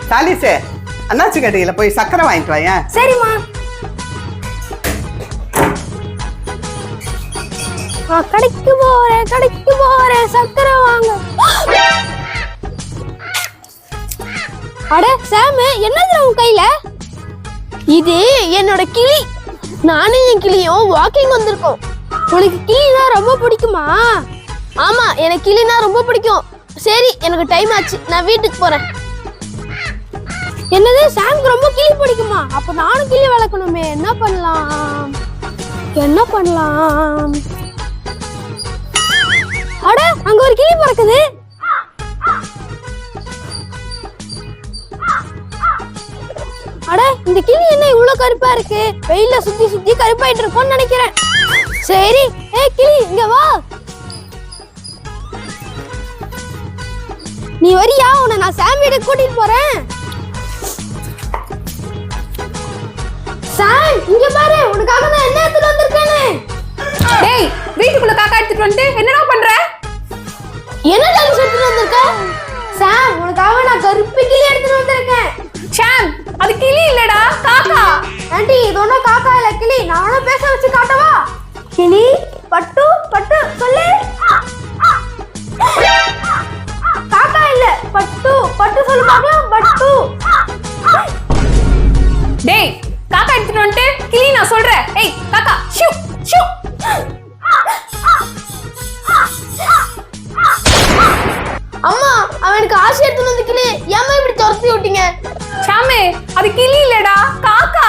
சாலிசே, அண்ணாச்சி கடையில போய் சக்கரை வாங்கிட்டு வாங்க. சரிம்மா. கடைக்கு போறேன் சக்கரை வாங்க. அட சாம், என்னது உன் கையில? இது என்னோட கிளி. நானும் என் கிளியும் வாக்கிங் வந்திருக்கோம். உனக்கு கிளினா ரொம்ப பிடிக்குமா? ஆமா, எனக்கு கிளினா ரொம்ப பிடிக்கும். சரி, எனக்கு டைம் ஆச்சு, நான் வீட்டுக்கு போறேன். என்னது, சாம்க்கு ரொம்ப கிளி பிடிக்குமா? அப்ப நானும் கிளி வளர்க்கணுமே. என்ன பண்ணலாம்? அட, அங்க ஒரு கிளி பறக்குது. அட, இந்த கிளி என்ன இவ்வளவு கருப்பா இருக்கு? வெயில சுத்தி சுத்தி கருப்பாயிட்டு இருக்கும்னு நினைக்கிறேன். சரி, கிளி இங்க வா. நீ வரியா? உன்னை நான் சாம் வீட்டுக்கு கூட்டிட்டு போறேன். சாம், இங்க பாரு, உனக்காக நான் என்ன எடுத்துட்டு வந்திருக்கேன்னு. டேய், வீட்டுக்குள்ள காக்கா எடுத்துட்டு வந்து என்னடா பண்ற? என்ன டான்ஸ் எடுத்துட்டு வந்திருக்க? சாம், உனக்காக நான் கருப்பு கிளி எடுத்துட்டு வந்திருக்கேன். சாம், அது கிளி இல்லடா, காக்கா. ஆண்டி, இது ஒன்றும் காக்கா இல்ல, கிளி. நான் ஒன்றும் பேச வச்சு காட்டவா? கிளி பட்டு பட்டு சொல்லு. காக்கா இல்ல, பட்டு பட்டு சொல்லு பார்க்கலாம். பட்டு. டேய், காக்கா எடுத்துட்டு வந்து கிளி நான் சொல்றேன். ஏய் காக்கா, ஷூ ஷூ. அம்மா, அவனுக்கு ஆசை எடுத்துட்டு வந்து கிளி. ஏம்மா இப்படி துரத்தி விட்டீங்க? சாமே, அது கிளி இல்லடா, காக்கா.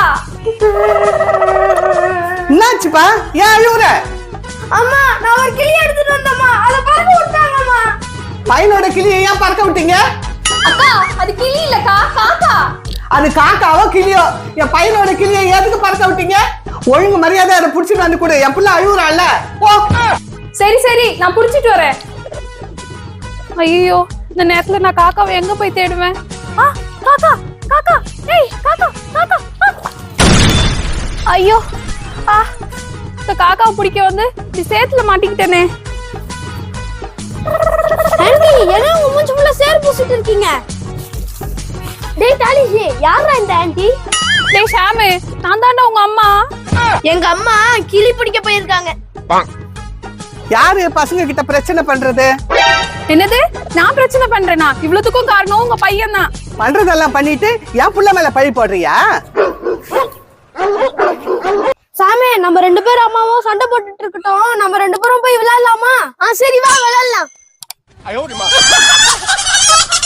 என்னாச்சுப்பா, ஏன் அழுவுற? அம்மா, நான் ஒரு கிளி எடுத்துட்டு வந்தம்மா, அத பறக்க விட்டாங்கம்மா. பையனோட கிளியை ஏன் பறக்க விட்டீங்க? அக்கா, அது கிளி இல்லக்கா, காக்கா. அது காக்காவோ கிளியோ, என் பையனோட கிளியை எதுக்கு பறக்க விட்டீங்க? ஒழுங்கு மரியாதை அதை புடிச்சிட்டு வந்து கொடு. என் பிள்ளை அழுவுறான்ல. போ. சரி சரி, நான் புடிச்சிட்டு வரேன். ஐயோ, இந்த நேரத்துல நான் காக்காவை எங்க போய் தேடுவேன்? காக்கா காக்கா, ஏய் காக்கா காக்கா. ஐயோ, இந்த காக்காவை பிடிக்க வந்து இப்படி சேத்துல மாட்டிக்கிட்டேனே. ஆண்டி, என்ன உங்க மூஞ்சி ஃபுல்லா சேர் பூசிட்டு இருக்கீங்க? டேய் தாலிஷி, யாரா இந்த ஆண்டி? டேய் ஷாமு, நான் தான்டா உங்க அம்மா. எங்க அம்மா கிளி பிடிக்க போயிருக்காங்க. யாரு பசங்க கிட்ட பிரச்சனை பண்றது? என்னது, நான் பிரச்சனை பண்றேனா? இவ்வளவுக்கும் காரணம் உங்க பையன் தான். பண்றதெல்லாம் பண்ணிட்டு என் புள்ள மேல பழி போடுறியா? சாமி, நம்ம ரெண்டு பேரும் அம்மாவும் சண்டை போட்டுட்டு இருக்கட்டும். நம்ம ரெண்டு பேரும் போய் விளையாடலாமா? சரி, வா விளையாடலாம்.